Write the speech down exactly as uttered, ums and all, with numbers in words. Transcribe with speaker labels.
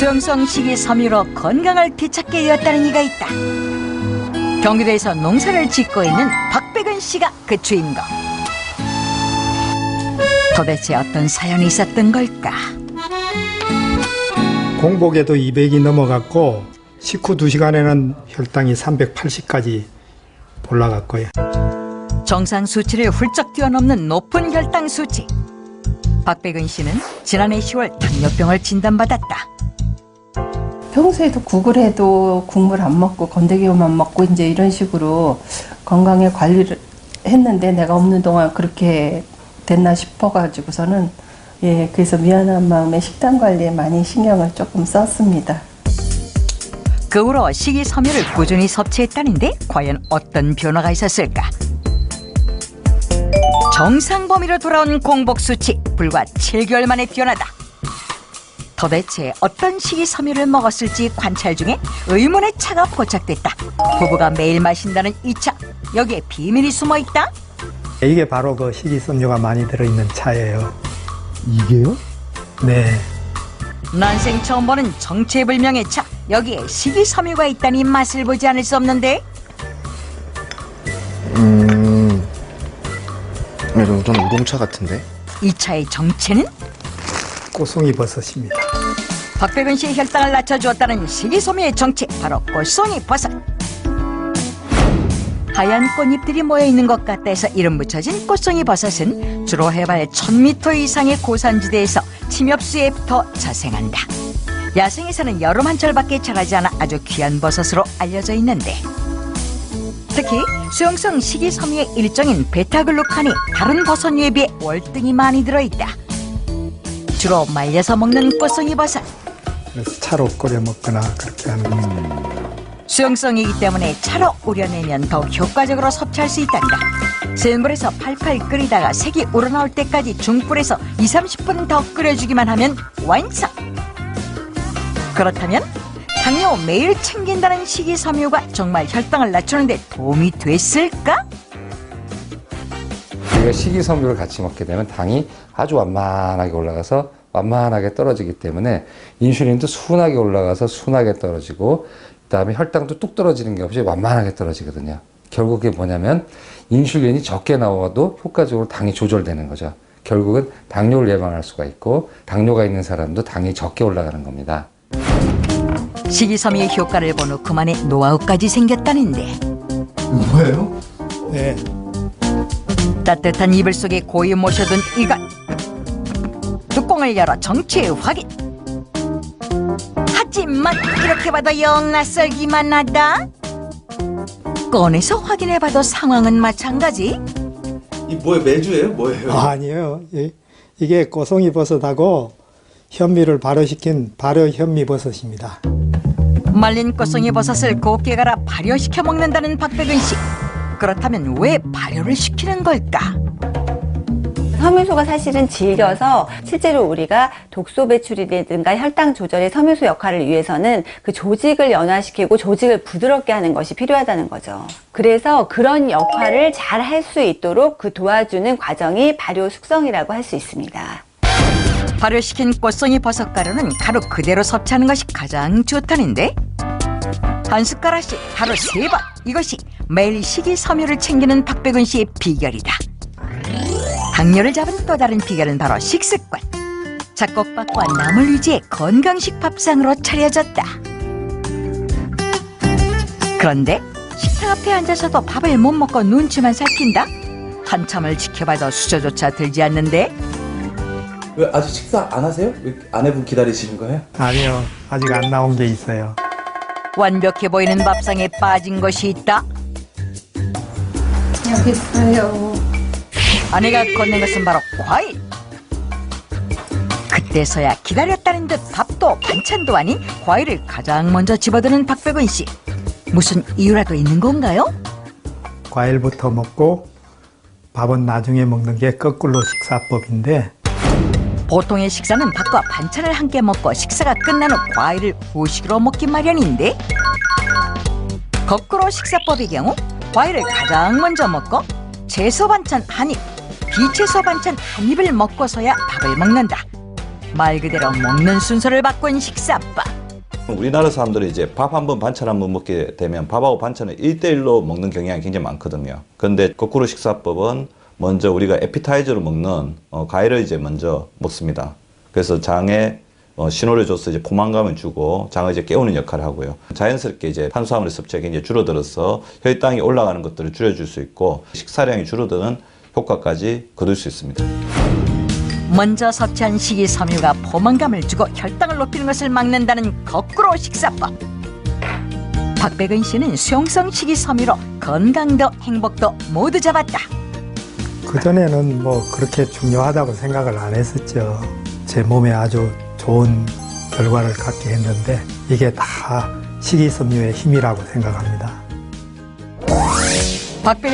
Speaker 1: 수용성 식이섬유로 건강을 되찾게 되었다는 이가 있다. 경기도에서 농사를 짓고 있는 박백은 씨가 그 주인공. 도대체 어떤 사연이 있었던 걸까?
Speaker 2: 공복에도 이백이 넘어갔고 식후 두 시간에는 혈당이 삼백팔십까지 올라갔고요.
Speaker 1: 정상 수치를 훌쩍 뛰어넘는 높은 혈당 수치. 박백은 씨는 지난해 시월 당뇨병을 진단받았다.
Speaker 3: 평소에도 국을 해도 국물 안 먹고 건더기만 먹고 이제 이런 식으로 건강에 관리를 했는데 내가 없는 동안 그렇게 됐나 싶어가지고서는 예 그래서 미안한 마음에 식단 관리에 많이 신경을 조금 썼습니다.
Speaker 1: 그 후로 식이섬유를 꾸준히 섭취했다는데 과연 어떤 변화가 있었을까? 정상 범위로 돌아온 공복 수치 불과 칠 개월 만에 뛰어나다. 도대체 어떤 식이섬유를 먹었을지 관찰 중에 의문의 차가 포착됐다. 부부가 매일 마신다는 이 차, 여기에 비밀이 숨어있다?
Speaker 2: 이게 바로 그 식이섬유가 많이 들어있는 차예요.
Speaker 4: 이게요?
Speaker 2: 네.
Speaker 1: 난생 처음 보는 정체불명의 차, 여기에 식이섬유가 있다니 맛을 보지 않을 수 없는데?
Speaker 4: 음... 이런 좀 우동차 같은데?
Speaker 1: 이 차의 정체는?
Speaker 2: 꽃송이 버섯입니다.
Speaker 1: 박백은 씨의 혈당을 낮춰주었다는 식이섬유의 정체, 바로 꽃송이 버섯. 하얀 꽃잎들이 모여있는 것 같다 해서 이름 붙여진 꽃송이 버섯은 주로 해발 천 미터 이상의 고산지대에서 침엽수에 붙어 자생한다. 야생에서는 여름 한철밖에 자라지 않아 아주 귀한 버섯으로 알려져 있는데, 특히 수용성 식이섬유의 일종인 베타글루칸이 다른 버섯류에 비해 월등히 많이 들어있다. 주로 말려서 먹는 꽃송이 버섯.
Speaker 2: 그래서 차로 끓여 먹거나 그렇게 하는 겁니다.
Speaker 1: 수용성이기 때문에 차로 우려내면 더욱 효과적으로 섭취할 수 있단다. 센 불에서 팔팔 끓이다가 색이 우러나올 때까지 중불에서 이삼십 분 더 끓여주기만 하면 완성! 그렇다면 당뇨 매일 챙긴다는 식이섬유가 정말 혈당을 낮추는 데 도움이 됐을까?
Speaker 5: 우리가 식이섬유를 같이 먹게 되면 당이 아주 완만하게 올라가서 완만하게 떨어지기 때문에 인슐린도 순하게 올라가서 순하게 떨어지고, 그다음에 혈당도 뚝 떨어지는 게 없이 완만하게 떨어지거든요. 결국 그게 뭐냐면 인슐린이 적게 나와도 효과적으로 당이 조절되는 거죠. 결국은 당뇨를 예방할 수가 있고, 당뇨가 있는 사람도 당이 적게 올라가는 겁니다.
Speaker 1: 식이섬유의 효과를 본 후 그만의 노하우까지 생겼다는데,
Speaker 4: 뭐예요?
Speaker 2: 네.
Speaker 1: 따뜻한 이불 속에 고이 모셔둔 이것, 뚜껑을 열어 정체 확인. 하지만 이렇게 봐도 영 낯설기만 하다. 꺼내서 확인해봐도 상황은 마찬가지.
Speaker 6: 이 뭐예요? 메주예요? 뭐예요?
Speaker 2: 아, 아니에요. 이- 이게 꽃송이 버섯하고 현미를 발효시킨 발효 현미 버섯입니다.
Speaker 1: 말린 꽃송이 버섯을 곱게 갈아 발효시켜 먹는다는 박백은 씨. 그렇다면 왜 발효를 시키는 걸까?
Speaker 7: 섬유소가 사실은 질겨서 실제로 우리가 독소 배출이라든가 혈당 조절의 섬유소 역할을 위해서는 그 조직을 연화시키고 조직을 부드럽게 하는 것이 필요하다는 거죠. 그래서 그런 역할을 잘 할 수 있도록 그 도와주는 과정이 발효 숙성이라고 할 수 있습니다.
Speaker 1: 발효시킨 꽃송이 버섯 가루는 가루 그대로 섭취하는 것이 가장 좋다는데, 한 숟가락씩 하루 세 번, 이것이 매일 식이섬유를 챙기는 박백은 씨의 비결이다. 당뇨를 잡은 또 다른 비결은 바로 식습관. 잡곡밥과 나물 위주의 건강식 밥상으로 차려졌다. 그런데 식탁 앞에 앉아서도 밥을 못 먹고 눈치만 살핀다? 한참을 지켜봐도 수저조차 들지 않는데,
Speaker 6: 왜 아직 식사 안 하세요? 왜 아내분 기다리시는 거예요?
Speaker 2: 아니요. 아직 안 나온 게 있어요.
Speaker 1: 완벽해 보이는 밥상에 빠진 것이 있다.
Speaker 3: 여기 있어요.
Speaker 1: 아내가 건넨 것은 바로 과일. 그때서야 기다렸다는 듯 밥도 반찬도 아닌 과일을 가장 먼저 집어드는 박백은 씨. 무슨 이유라도 있는 건가요?
Speaker 2: 과일부터 먹고 밥은 나중에 먹는 게 거꾸로 식사법인데,
Speaker 1: 보통의 식사는 밥과 반찬을 함께 먹고 식사가 끝난 후 과일을 후식으로 먹기 마련인데, 거꾸로 식사법의 경우 과일을 가장 먼저 먹고 채소 반찬 한 입, 비채소 반찬 한 입을 먹고서야 밥을 먹는다. 말 그대로 먹는 순서를 바꾼 식사법.
Speaker 8: 우리나라 사람들이 이제 밥 한 번 반찬 한 번 먹게 되면 밥하고 반찬을 일 대일로 먹는 경향이 굉장히 많거든요. 그런데 거꾸로 식사법은 먼저 우리가 에피타이저로 먹는 어, 과일을 이제 먼저 먹습니다. 그래서 장에 어, 신호를 줘서 이제 포만감을 주고 장을 이제 깨우는 역할을 하고요. 자연스럽게 이제 탄수화물의 섭취가 굉장히 줄어들어서 혈당이 올라가는 것들을 줄여줄 수 있고 식사량이 줄어드는 효과까지 거둘 수 있습니다.
Speaker 1: 먼저 섭취한 식이섬유가 포만감을 주고 혈당을 높이는 것을 막는다는 거꾸로 식사법. 박백은 씨는 수용성 식이섬유로 건강도 행복도 모두 잡았다.
Speaker 2: 그전에는 뭐 그렇게 중요하다고 생각을 안 했었죠. 제 몸에 아주 좋은 결과를 갖게 했는데 이게 다 식이섬유의 힘이라고 생각합니다.
Speaker 1: 박백은